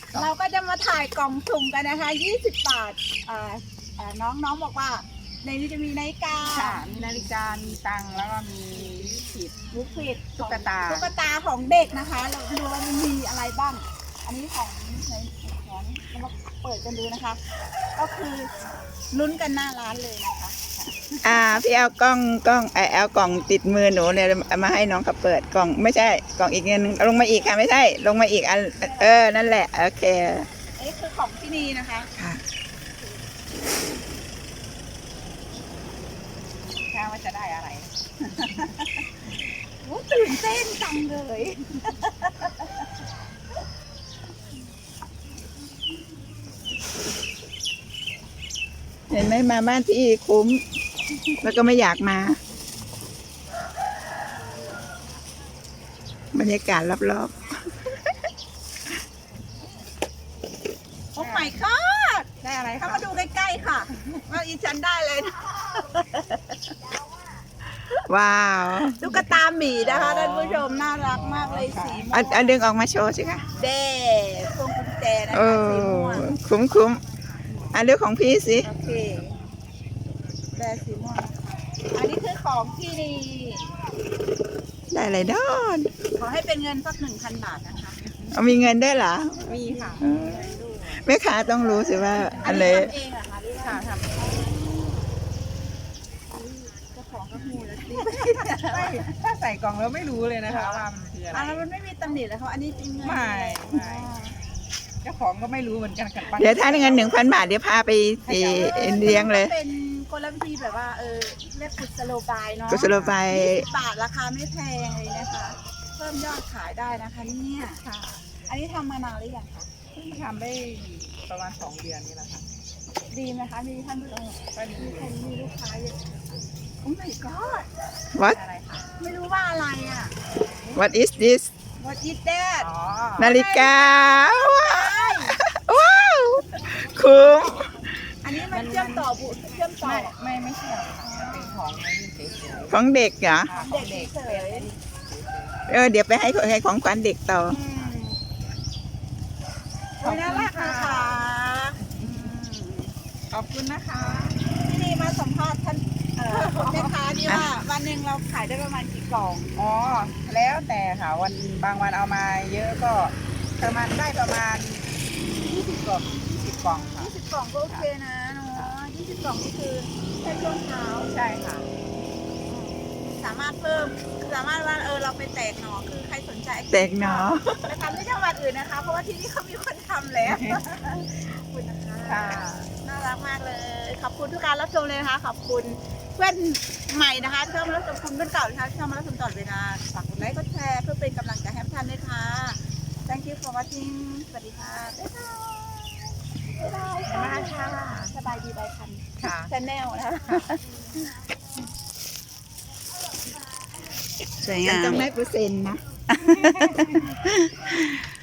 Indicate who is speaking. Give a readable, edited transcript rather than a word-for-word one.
Speaker 1: เราก็จะมาถ่ายกล่องสุ่มกันนะคะ20 บาทน้องบอกว่าในนี้จะมีนาฬิกา
Speaker 2: ค่ะมีนาฬิกามีตังค์แล้วก็มี
Speaker 1: ลูกฟิด
Speaker 2: ตุ๊กตา
Speaker 1: ของเด็กนะคะเราดูว่ามันมีอะไรบ้างอันนี้ของเรามาเปิดกันดูนะคะ ก็คือลุ้นกันหน้าร้านเลยนะคะ
Speaker 3: พี่เอากล้องเอากล่องติดมือหนูเนี่ยมาให้น้องเขาเปิดกล่องไม่ใช่กล่องอีกเงินลงมาอีกค่ะไม่ใช่ลงมาอีกอันนั่นแหละโอเค
Speaker 1: อันนี้คือของที่นี่นะคะ
Speaker 3: ค่ะ
Speaker 2: แค่ว่าจะได้อะไร
Speaker 1: โอ้ตื่นเต้นจังเลย
Speaker 3: เห็นไหมมาบ้านพี่คุ้มแล้วก็ไม่อยากมาบรรยากาศรอบ
Speaker 1: โอ้ my god
Speaker 2: ได้อะไรคะ
Speaker 1: เข้ามาดูใกล้ๆค่ะว่าอีฉันได้เลยนะ
Speaker 3: ว้าว
Speaker 1: ตุ๊กตาหมีนะคะท่านผู้ชมน่ารักมากเลยสีม่วง
Speaker 3: ดึงออกมาโชว์สิคะ
Speaker 1: เด้พวงกุญแจนะคะสีม่วง
Speaker 3: คุ้มเรื่องของพี่สิ
Speaker 1: โอเคแบสีม่วงอันนี้คือของที่นี่
Speaker 3: ได้อะไรดอน
Speaker 1: ขอให้เป็นเงินสัก 1,000 บาทนะคะ
Speaker 3: มีเงินได้เหรอ
Speaker 1: มีค่ะ
Speaker 3: แม่ค้าต้องรู้สิว่าอะไร
Speaker 1: ทำเองเหรอคะค่ะทำเจ้าของก็หูแล้วสิ
Speaker 2: ถ้าใส่กล่องแล้วไม่รู้เลยนะคะว่ามันคืออะไร
Speaker 1: แล้วมันไม่มีตำหนิเลยเขาอันนี้จริงไหม
Speaker 2: ไม่เจ้าของก็ไม่รู้เหมือนกันกัน
Speaker 3: เดี๋ยวถ้าเงิน 1,000 บาทเดี๋ยวพาไปเลี้ยงเลย
Speaker 1: เป็นกลวิธีแบบว่าเรียกกุศโลบายเนาะ
Speaker 3: กุศโลบาย
Speaker 1: 20 บาทราคาไม่แพงเลยนะคะเพิ่มยอดขายได้นะคะเนี่ยค่ะอันนี้ทำมานานหรือยังคะ
Speaker 2: เพิ่งทำได้ประมาณ2 เดือนนี่แหละค่ะ
Speaker 1: ดีไหมคะมีท่านผู้ชมก็ดีมีลูกค้าเยอะโอ้ my god
Speaker 3: What
Speaker 1: ไม่รู้ว่าอะไรอ่ะ
Speaker 3: What is this
Speaker 1: What is that
Speaker 3: นาฬิกาว้าวคุ้ม
Speaker 1: อันนี้มันเชื่อมต่อเชื่อมต่อ
Speaker 2: ไม่เชื่อมค่ะเป็นของ
Speaker 3: ของเด็กเหรอ
Speaker 1: เด็กเฉย
Speaker 3: เดี๋ยวไปให้ของขวัญเด็กต่อ
Speaker 1: น่ารักนะคะ
Speaker 2: ขอบคุณนะคะ
Speaker 1: ที่นี่มาสัมภาษณ์ท่านแม่ค้านี่ว่าวันหนึ่งเราขายได้ประมาณกี่กล่อง
Speaker 2: แล้วแต่ค่ะบางวันเอามาเยอะก็ประมาณได้ประมาณ20 กล่อง20 กล่องค่ะ
Speaker 1: 20 กล่องก็โอเคนะเนาะ20 กล่องก็คือแค่ช่วงเช้า
Speaker 2: ใช่ค่ะ
Speaker 1: สามารถว่าเราไปแตกหน่อคือใครสนใจ
Speaker 3: แตกหน่อ
Speaker 1: ไปทำที่จังหวัดอื่นนะคะเพราะว่าที่นี่เขามีคนทำแล้วขอบคุณนะคะน่ารักมากเลยขอบคุณทุกการรับชมเลยนะคะขอบคุณเพื่อนใหม่นะคะที่เข้ามารับชมคุณเพื่อนเก่านะคะที่เข้ามารับชมตลอดเวลาฝากกดไลค์กดแชร์เพื่อเป็นกำลังใจให้ท่านด้วยค่ะ Thank you for watching สวัสดีค่ะบ๊ายบายมากค่ะสบายดีใบคันชาแนลนะคะ
Speaker 3: สวยงามต้องได้เปอร์เซ็นต์นะ